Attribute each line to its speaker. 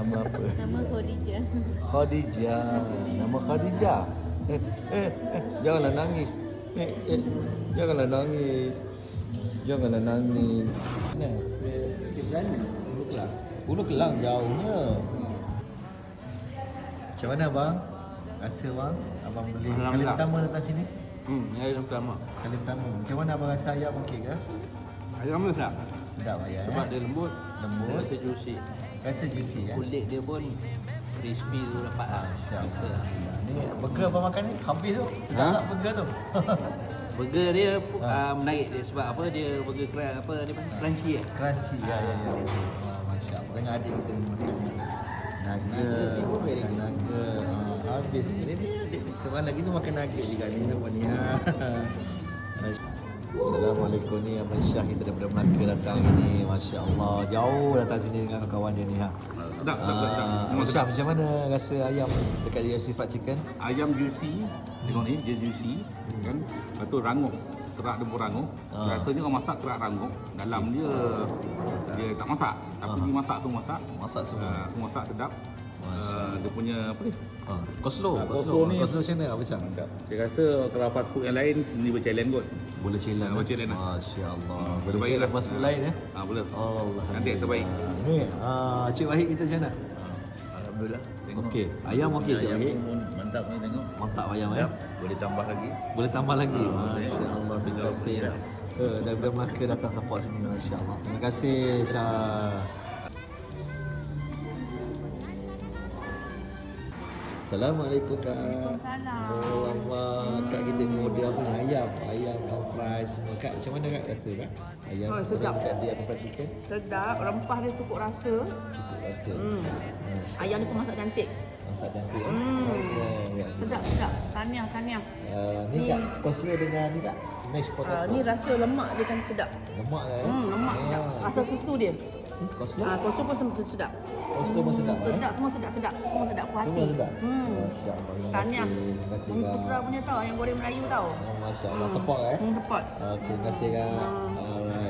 Speaker 1: Nama apa?
Speaker 2: Nama Khadijah.
Speaker 1: Khadijah. Nama Khadijah. Janganlah nangis. Janganlah nangis. Janganlah nangis. Nah, Bukit Berani. Ulu Kelang jauhnya. Macam mana bang? Rasa bang? Abang beli kali pertama datang sini?
Speaker 3: Hari pertama.
Speaker 1: Kali pertama. Macam mana abang rasa ayam okey ke?
Speaker 3: Ayam tu sedap.
Speaker 1: Sedap ayam.
Speaker 3: Sebab dia lembut.
Speaker 1: Lembut.
Speaker 3: Rasa juicy.
Speaker 1: Rasa juicy ya.
Speaker 3: Kulit dia pun crispy tu dapat lah.
Speaker 1: Masya-Allah. Ni burger abang makan ni habis tu. Sedap tak burger tu?
Speaker 3: Burger dia menarik dia sebab apa dia burger apa dia crunchy eh.
Speaker 1: Crunchy ya. Masya-Allah. Dengan adik kita ni makan ni. Nugget ni pun very good. Nugget. Habis ni adik ni. Sebab lagi tu makan nugget juga ni nampak ni. Assalamualaikum ni Abang Syah kita daripada Melaka datang ini. Masya-Allah. Jauh datang sini dengan kawan dia ni ha.
Speaker 3: Sedap.
Speaker 1: Abang Syah macam mana rasa ayam dekat dia sifat chicken?
Speaker 4: Ayam juicy, tengok ni dia juicy kan. Lepas tu rangup, kerak dia pun rangup. Rasanya orang masak kerak rangup, dalam dia tak masak, tapi dia masak semua masak.
Speaker 1: Masak semua.
Speaker 4: Semua masak sedap. Dia punya apa ni?
Speaker 1: Koslo.
Speaker 4: Koslo ni
Speaker 1: Koslo macam mana Abang Syah?
Speaker 4: Saya rasa kalau fast food yang lain ni berchallenge kot.
Speaker 1: Boleh challenge.
Speaker 4: Berchallenge lah.
Speaker 1: Masya-Allah. Boleh
Speaker 4: Terbaik
Speaker 1: challenge
Speaker 4: lah.
Speaker 1: fast food lain ya?
Speaker 4: Boleh.
Speaker 1: Allah.
Speaker 4: Nanti yang terbaik.
Speaker 1: Ni, Cik Wahid kita macam mana?
Speaker 3: Alhamdulillah.
Speaker 1: Okey. Ayam okey Cik Wahid.
Speaker 3: Pun mantap ni tengok.
Speaker 1: Mantap ayam ya.
Speaker 3: Boleh tambah lagi.
Speaker 1: Boleh tambah lagi. Masya-Allah. Terima kasih. Daripada Melaka datang support sini. Masya-Allah. Terima kasih Syah. Assalamualaikum Kak.
Speaker 2: Waalaikumsalam.
Speaker 1: Oh Allah, Kak kita ni order apa ni? Ayam fry semua. Kak macam mana Kak rasa Kak? Ayam
Speaker 2: sedap.
Speaker 1: Kat dia fried chicken.
Speaker 2: Sedap, rempah dia cukup rasa.
Speaker 1: Cukup rasa.
Speaker 2: Ayam dia pun masak cantik.
Speaker 1: Masak cantik. Ya.
Speaker 2: Sedap. Tahniah.
Speaker 1: Ni Kak, koslo dengan ni Kak, mashed potato.
Speaker 2: Ni rasa lemak dia kan sedap.
Speaker 1: Lemak lah ya.
Speaker 2: Lemak sedap. Rasa susu dia.
Speaker 1: Koslo?
Speaker 2: Kosong pun sedap.
Speaker 1: Koslo pun sedap.
Speaker 2: Semua sedap. Semua sedap puas hati.
Speaker 1: Semua sedap. Masya-Allah.
Speaker 2: Tahniah.
Speaker 1: Terima kasih Kak.
Speaker 2: Putra punya tau, yang goreng Melayu tau.
Speaker 1: Masya-Allah, support
Speaker 2: Support.
Speaker 1: Okey, terima kasih Kak. Alright.